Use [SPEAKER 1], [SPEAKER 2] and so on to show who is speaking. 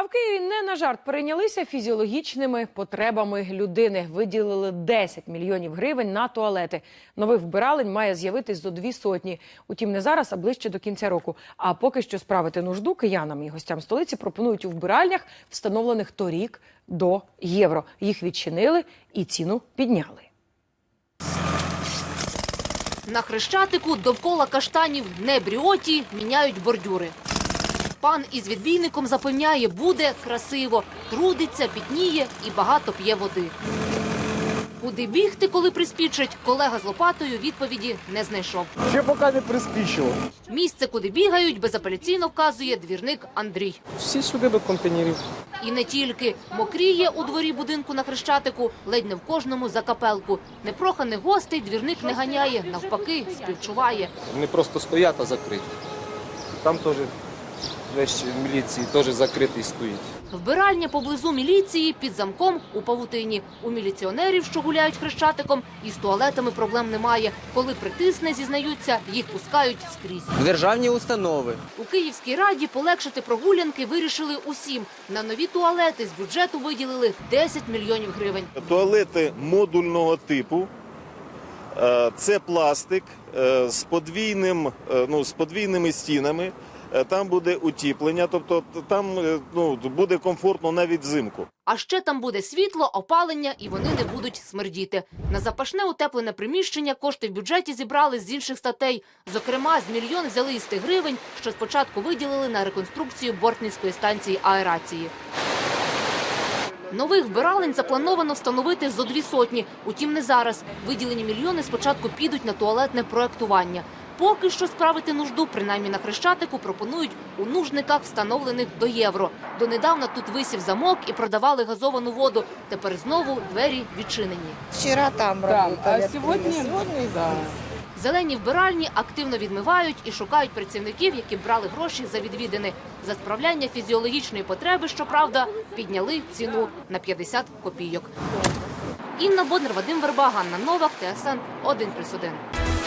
[SPEAKER 1] в Києві не на жарт перейнялися фізіологічними потребами людини. Виділили 10 мільйонів гривень на туалети. Нових вбиралень має з'явитись зо 200. Утім, не зараз, а ближче до кінця року. А поки що справити нужду киянам і гостям столиці пропонують у вбиральнях, встановлених торік до євро. Їх відчинили і ціну підняли.
[SPEAKER 2] На Хрещатику довкола каштанів не бріоті, міняють бордюри. Пан із відбійником запевняє, буде красиво, трудиться, пітніє і багато п'є води. Куди бігти, коли приспічить, колега з лопатою відповіді не знайшов.
[SPEAKER 3] Ще поки не приспічило.
[SPEAKER 2] Місце, куди бігають, безапеляційно вказує двірник Андрій.
[SPEAKER 3] Всі сюди до контейнерів.
[SPEAKER 2] І не тільки. Мокріє у дворі будинку на Хрещатику, ледь не в кожному за капелку. Непроханих гостей двірник не ганяє, навпаки, співчуває.
[SPEAKER 4] Вони просто стоять, а закриті. Там теж весь міліції теж закритий стоїть.
[SPEAKER 2] Вбиральня поблизу міліції під замком у павутині. У міліціонерів, що гуляють Хрещатиком, із туалетами проблем немає. Коли притисне, зізнаються, їх пускають скрізь.
[SPEAKER 5] Державні установи.
[SPEAKER 2] У Київській раді полегшити прогулянки вирішили усім. На нові туалети з бюджету виділили 10 мільйонів гривень.
[SPEAKER 6] Туалети модульного типу. Це пластик з подвійними стінами. Там буде утеплення, тобто там буде комфортно навіть взимку.
[SPEAKER 2] А ще там буде світло, опалення і вони не будуть смердіти. На запашне утеплене приміщення кошти в бюджеті зібрали з інших статей. Зокрема, з мільйон взяли із тих гривень, що спочатку виділили на реконструкцію Бортницької станції аерації. Нових вбиралень заплановано встановити зо 200. Утім, не зараз. Виділені мільйони спочатку підуть на туалетне проектування. Поки що справити нужду, принаймні на Хрещатику, пропонують у нужниках, встановлених до євро. Донедавна тут висів замок і продавали газовану воду. Тепер знову двері відчинені.
[SPEAKER 7] Вчера там работали.
[SPEAKER 8] А сегодня да.
[SPEAKER 2] Зелені вбиральні активно відмивають і шукають працівників, які брали гроші за відвідини. За справляння фізіологічної потреби, щоправда, підняли ціну на 50 копійок. Інна Боднар, Вадим Верба, Ганна Новак, ТСН 1+1.